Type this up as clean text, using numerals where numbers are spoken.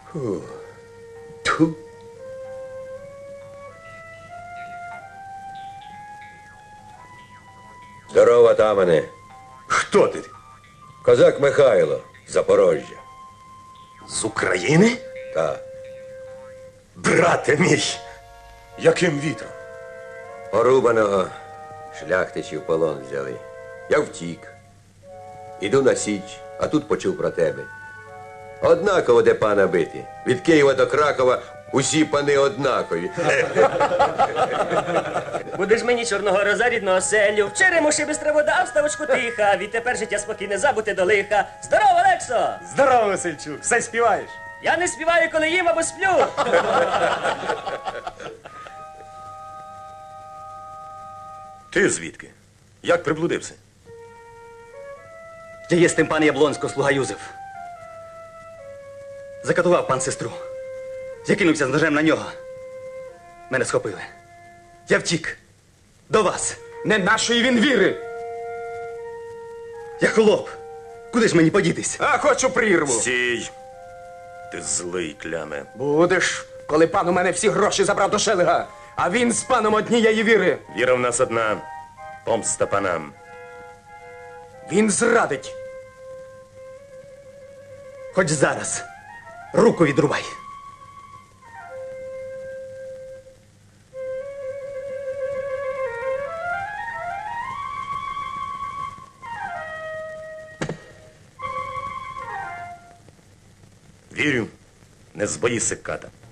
Тьфу. Здорово, атамане. Хто ти? Козак Михайло, Запорожжя. З України? Та. Брате мій, яким вітром? Порубаного шляхтичі в полон взяли. Я втік. Іду на Січ, а тут почув про тебе. Однаково де пана бити. Від Києва до Кракова усі пани однакові. Будеш мені чорного роза рідного селю, в черему ще бистра вода, в ставочку тиха, відтепер життя спокійне, забути до лиха. Здорово, Олексо! Здорово, Васильчук, все співаєш? Я не співаю, коли їм або сплю. Ти звідки? Як приблудився? Я є з тим пан Яблонського, слуга Юзеф. Закатував пан сестру. Я кинувся з ножем на нього. Мене схопили. Я втік. До вас. Не нашої він віри. Я хлоп. Куди ж мені подітись? А хочу прірву. Стій. Ти злий, кляме. Будеш, коли пан у мене всі гроші забрав до Шелега, а він з паном однієї віри. Віра в нас одна. Помста панам. Він зрадить. Хоч зараз. Руку відрубай. Вірю, не збоїся, ката.